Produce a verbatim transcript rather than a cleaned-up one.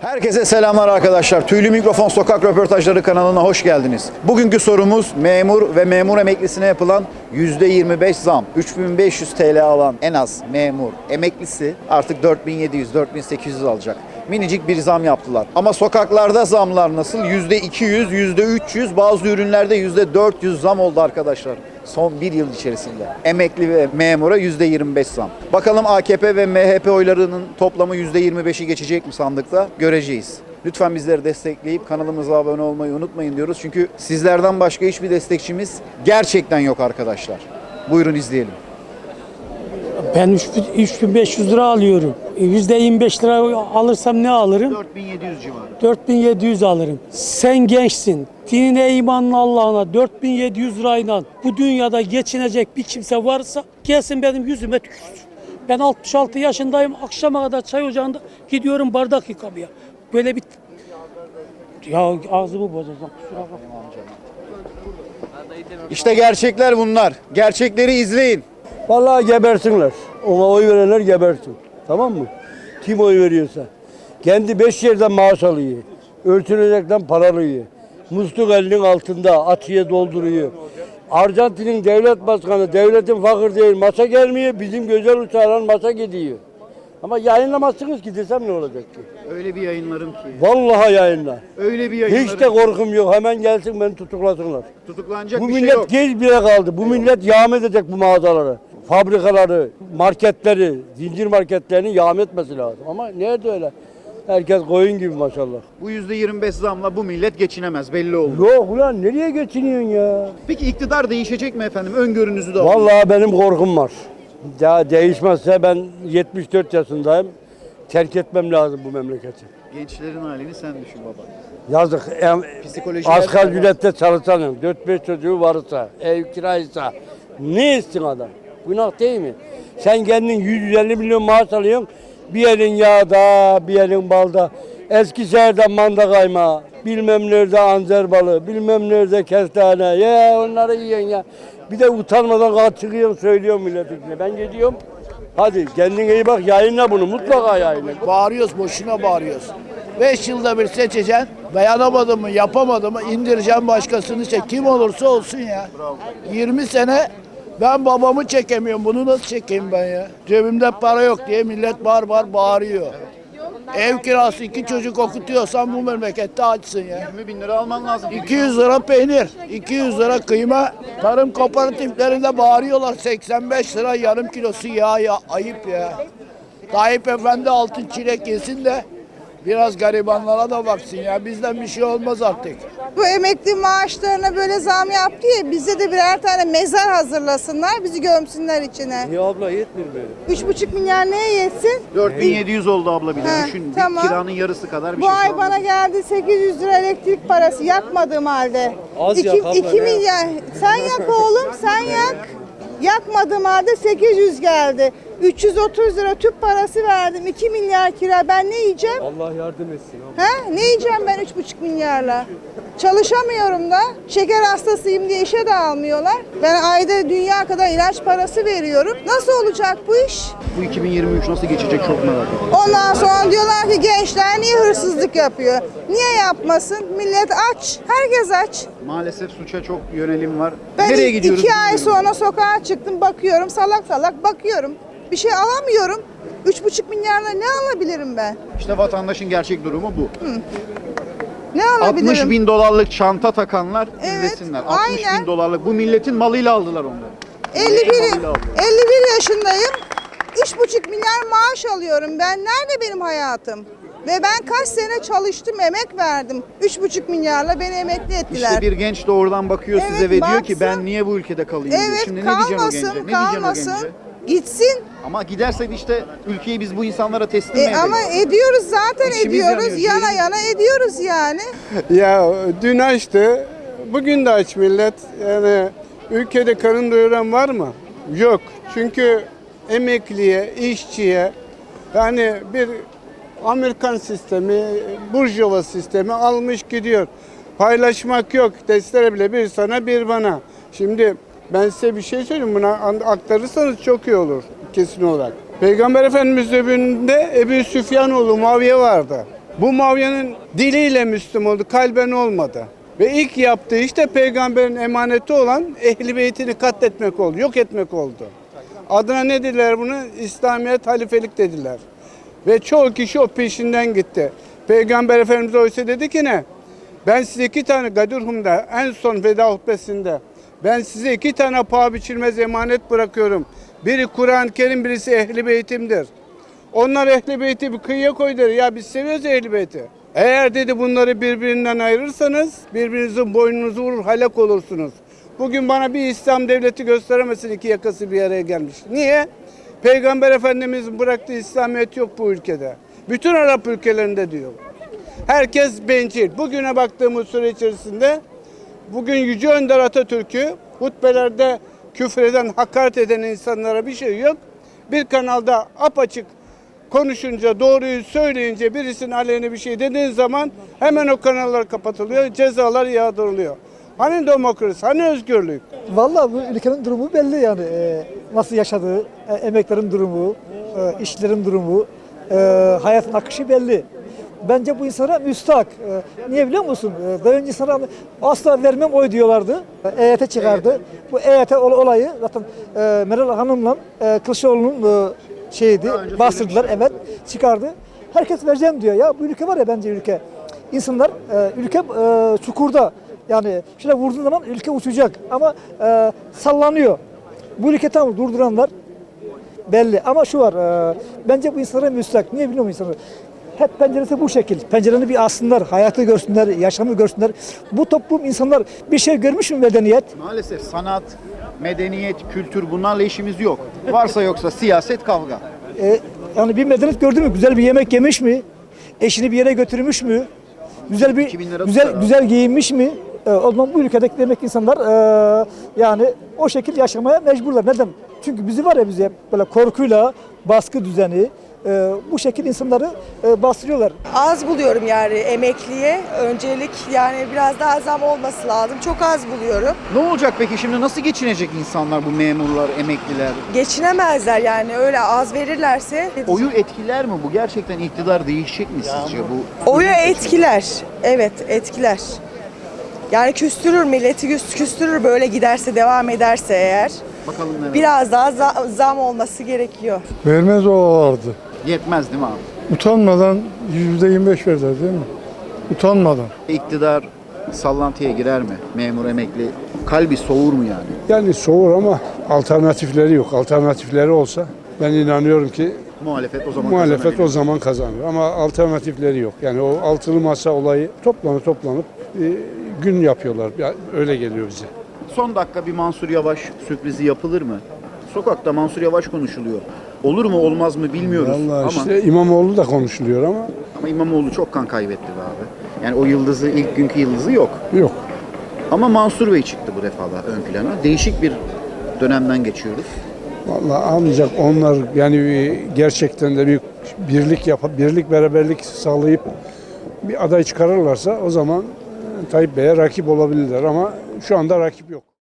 Herkese selamlar arkadaşlar. Tüylü Mikrofon Sokak Röportajları kanalına hoş geldiniz. Bugünkü sorumuz memur ve memur emeklisine yapılan yüzde yirmi beş zam. üç bin beş yüz T L alan en az memur emeklisi artık dört bin yedi yüz dört bin sekiz yüz alacak. Minicik bir zam yaptılar. Ama sokaklarda zamlar nasıl? yüzde iki yüz, yüzde üç yüz, bazı ürünlerde yüzde dört yüz zam oldu arkadaşlar. Son bir yıl içerisinde. Emekli ve memura yüzde yirmi beş zam. Bakalım A K P ve M H P oylarının toplamı yüzde yirmi beşi geçecek mi sandıkta? Göreceğiz. Lütfen bizleri destekleyip kanalımıza abone olmayı unutmayın diyoruz. Çünkü sizlerden başka hiçbir destekçimiz gerçekten yok arkadaşlar. Buyurun izleyelim. Ben üç bin beş yüz lira alıyorum. yüzde yirmi beş lira alırsam ne alırım? dört bin yedi yüz civarı. dört bin yedi yüz alırım. Sen gençsin. Dinine, imanına, Allah'ına dört bin yedi yüz lirayla bu dünyada geçinecek bir kimse varsa gelsin benim yüzüme tükürsün. Ben altmış altı yaşındayım. Akşama kadar çay ocağında gidiyorum bardak yıkamaya. Böyle bir... Ya ağzımı bozacağım. Kusura bakma. İşte gerçekler bunlar. Gerçekleri izleyin. Vallahi gebersinler. Ona oy verenler gebersin. Tamam mı? Kim oy veriyorsa. Kendi beş yerden maaş alıyor. Örtünecekten para alıyor. Musluk elinin altında atıya dolduruyor. Arjantin'in devlet başkanı, devletin fakir değil, maça gelmiyor. Bizim güzel uçağla maça gidiyor. Ama yayınlamazsınız ki desem ne olacak ki? Öyle bir yayınlarım ki. Vallahi yayınla. Öyle bir yayınlarım. Hiç de korkum yok. Hemen gelsin beni tutuklasınlar. Tutuklanacak Bu bir şey millet yok. geç bile kaldı. Bu millet yağma edecek bu mağazaları. Fabrikaları, marketleri, zincir marketlerini yağma etmesi lazım. Ama nerede öyle? Herkes koyun gibi maşallah. Bu yüzde yirmi beş zamla bu millet geçinemez, belli oldu. Yok ulan nereye geçiniyorsun ya? Peki iktidar değişecek mi efendim? Öngörünüzü de alın. Vallahi benim korkum var. Daha değişmezse ben yetmiş dört yaşındayım. Terk etmem lazım bu memleketi. Gençlerin halini sen düşün baba. Yazık. Em, Psikolojiler asgari de var. ücrette çalışanın dört beş çocuğu varsa, ev kiraysa ne etsin adam? Günah değil mi? Sen kendin yüz yüz elli milyon maaş alıyorsun. Bir elin yağda, bir elin balda. Eskişehir'de manda kaymağı, bilmem nerede anzer balı, bilmem nerede kestane. Ya onları yiyorsun ya. Bir de utanmadan kalk çıkıyorsun söylüyorsun milletin içine. Ben gidiyorum. Hadi kendine iyi bak, yayınla bunu, mutlaka yayınla. Bağırıyoruz, boşuna bağırıyoruz. Beş yılda bir seçeceksin, dayanamadı mı, yapamadı mı indireceğim başkasını çek. Kim olursa olsun ya. yirmi sene ben babamı çekemiyorum, bunu nasıl çekeyim ben ya? Cebimde para yok diye millet bağır bağır bağırıyor. Ev kirası iki çocuk okutuyorsan bu memlekette açsın ya. yirmi bin lira alman lazım. iki yüz lira peynir, iki yüz lira kıyma. Tarım kooperatiflerinde bağırıyorlar seksen beş lira yarım kilosu yağ ya. Ayıp ya. Tayyip Efendi altın çilek yesin de biraz garibanlara da baksın ya. Bizden bir şey olmaz artık. Bu emekli maaşlarına böyle zam yaptı ya, bize de birer tane mezar hazırlasınlar, bizi gömsünler içine. Ya abla yetmiyor böyle. Üç buçuk milyar neye yetsin? dört bin yedi yüz oldu abla bir de He, düşün. tamam. Bir kiranın yarısı kadar bir Bu şey. ay kaldı. bana geldi sekiz yüz lira elektrik parası yakmadığım halde. Az iki, yak abla, iki ne milyar. Sen yak oğlum, sen yak. Yakmadığım halde sekiz yüz geldi. üç yüz otuz lira tüp parası verdim. iki milyar kira. Ben ne yiyeceğim? Allah yardım etsin abi. He? Ne yiyeceğim ben üç buçuk milyarla? Çalışamıyorum da. Şeker hastasıyım diye işe de almıyorlar. Ben ayda dünya kadar ilaç parası veriyorum. Nasıl olacak bu iş? Bu iki bin yirmi üç nasıl geçecek çok merak ediyorum. Ondan sonra diyorlar ki gençler niye hırsızlık yapıyor? Niye yapmasın? Millet aç. Herkes aç. Maalesef suça çok yönelim var. Ben Nereye iki gidiyoruz? ay sonra sokağa çıktım, bakıyorum, salak salak bakıyorum. Bir şey alamıyorum. Üç buçuk milyarla ne alabilirim ben? İşte vatandaşın gerçek durumu bu. Ne alabilirim? altmış bin dolarlık çanta takanlar Evet, izlesinler. altmış aynen. bin dolarlık. Bu milletin malıyla aldılar onları. elli bir, Malıyla aldılar. elli bir yaşındayım. Üç buçuk milyar maaş alıyorum. Ben nerede benim hayatım? Ve ben kaç sene çalıştım, emek verdim. Üç buçuk milyarla beni emekli ettiler. İşte bir genç de oradan bakıyor Evet, size ve diyor ki baksın. ben niye bu ülkede kalayım diyor. Evet, Şimdi ne diyeceksin o gence? kalmasın, Ne diyeceksin o kalmasın. gence? Gitsin. Ama gidersek işte ülkeyi biz bu insanlara teslim E, edelim. ama ediyoruz zaten İçimiz ediyoruz. yanıyor, Yana ciğerimiz- yana ediyoruz yani. Ya dün açtı, bugün de aç millet. Yani ülkede karın doyuran var mı? Yok. Çünkü emekliye, işçiye yani bir Amerikan sistemi, burjuva sistemi almış gidiyor. Paylaşmak yok. Testere bile bir sana bir bana. Şimdi ben size bir şey söyleyeyim. Buna aktarırsanız çok iyi olur kesin olarak. Peygamber Efendimiz döneminde Ebu Süfyanoğlu Muaviye vardı. Bu Muaviye'nin diliyle Müslüman oldu, kalben olmadı. Ve ilk yaptığı işte peygamberin emaneti olan Ehl-i Beyt'ini katletmek oldu, yok etmek oldu. Adına ne dediler bunu? İslamiyet, halifelik dediler. Ve çoğu kişi o peşinden gitti. Peygamber Efendimiz oysa dedi ki ne? Ben size iki tane Gadirhum'da en son veda hutbesinde ben size iki tane paha biçilmez emanet bırakıyorum. Biri Kur'an-ı Kerim, birisi Ehl-i Beytim'dir. Onlar Ehl-i Beyti bir kıyıya koy der. Ya biz seviyoruz Ehl-i Beyti. Eğer dedi bunları birbirinden ayırırsanız birbirinizin boynunuzu vurur, helak olursunuz. Bugün bana bir İslam devleti gösteremezsin, iki yakası bir araya gelmiş. Niye? Peygamber Efendimiz'in bıraktığı İslamiyet yok bu ülkede. Bütün Arap ülkelerinde diyor. Herkes bencil. Bugüne baktığımız süre içerisinde bugün Yüce Önder Atatürk'ü hutbelerde küfreden, hakaret eden insanlara bir şey yok. Bir kanalda apaçık konuşunca, doğruyu söyleyince, birisinin aleyhine bir şey dediğin zaman hemen o kanallar kapatılıyor, cezalar yağdırılıyor. Hani demokrasi, hani özgürlük? Vallahi bu ülkenin durumu belli yani. Ee, nasıl yaşadığı, e, emeklerin durumu, e, işçilerin durumu, e, hayatın akışı belli. Bence bu insana müstahak. E, niye biliyor musun? E, daha önce insana asla vermem oy diyorlardı. E, EYT çıkardı. Bu EYT ol- olayı zaten e, Meral Hanım'la e, Kılıçdaroğlu'nun e, şeydi, bastırdılar, evet, çıkardı. Herkes vereceğim diyor. Ya bu ülke var ya, bence ülke. İnsanlar, e, ülke e, çukurda. Yani şöyle vurduğun zaman ülke uçacak ama e, sallanıyor. Bu ülke tam durduranlar belli ama şu var, e, bence bu insanlara müstahak. Niye biliyor musun insanlar? Hep penceresi bu şekil. Pencereni bir alsınlar, hayatı görsünler, yaşamı görsünler. Bu toplum, insanlar bir şey görmüş mü medeniyet? Maalesef sanat, medeniyet, kültür bunlarla işimiz yok. Varsa yoksa siyaset, kavga. E, yani bir medeniyet gördü mü? Güzel bir yemek yemiş mi? Eşini bir yere götürmüş mü? Güzel bir iki bin lira güzel tutar abi. güzel giyinmiş mi? E, o zaman bu ülkedeki demek ki insanlar e, yani o şekil yaşamaya mecburlar. Neden? Çünkü bizi var ya, bizi hep böyle korkuyla, baskı düzeni, e, bu şekil insanları e, bastırıyorlar. Az buluyorum yani emekliye. Öncelik yani biraz daha zam olması lazım. Çok az buluyorum. Ne olacak peki şimdi, nasıl geçinecek insanlar, bu memurlar, emekliler? Geçinemezler yani, öyle az verirlerse. Oyu etkiler mi bu? Gerçekten iktidar değişecek mi sizce bu? Oyu etkiler. Evet, etkiler. Yani küstürür, milleti küs- küstürür böyle giderse, devam ederse eğer. Bakalım neler. Biraz daha za- zam olması gerekiyor. Vermez olardı. Yetmez değil mi abi? Utanmadan yüzde yirmi beş verdiler değil mi? Utanmadan. İktidar sallantıya girer mi? Memur, emekli kalbi soğur mu yani? Yani soğur ama alternatifleri yok. Alternatifleri olsa ben inanıyorum ki Muhalefet o zaman muhalefet kazanabilir. o zaman kazanır. Ama alternatifleri yok. Yani o altılı masa olayı toplanıp toplanıp e, gün yapıyorlar. Ya, öyle geliyor bize. Son dakika bir Mansur Yavaş sürprizi yapılır mı? Sokakta Mansur Yavaş konuşuluyor. Olur mu olmaz mı bilmiyoruz Vallahi ama işte İmamoğlu da konuşuluyor ama ama İmamoğlu çok kan kaybetti be abi. Yani o yıldızı, ilk günkü yıldızı yok. yok. Ama Mansur Bey çıktı bu defa da ön plana. Değişik bir dönemden geçiyoruz. Vallahi ancak onlar yani gerçekten de bir birlik yapıp birlik beraberlik sağlayıp bir aday çıkarırlarsa o zaman e, Tayyip Bey'e rakip olabilirler ama şu anda rakip yok.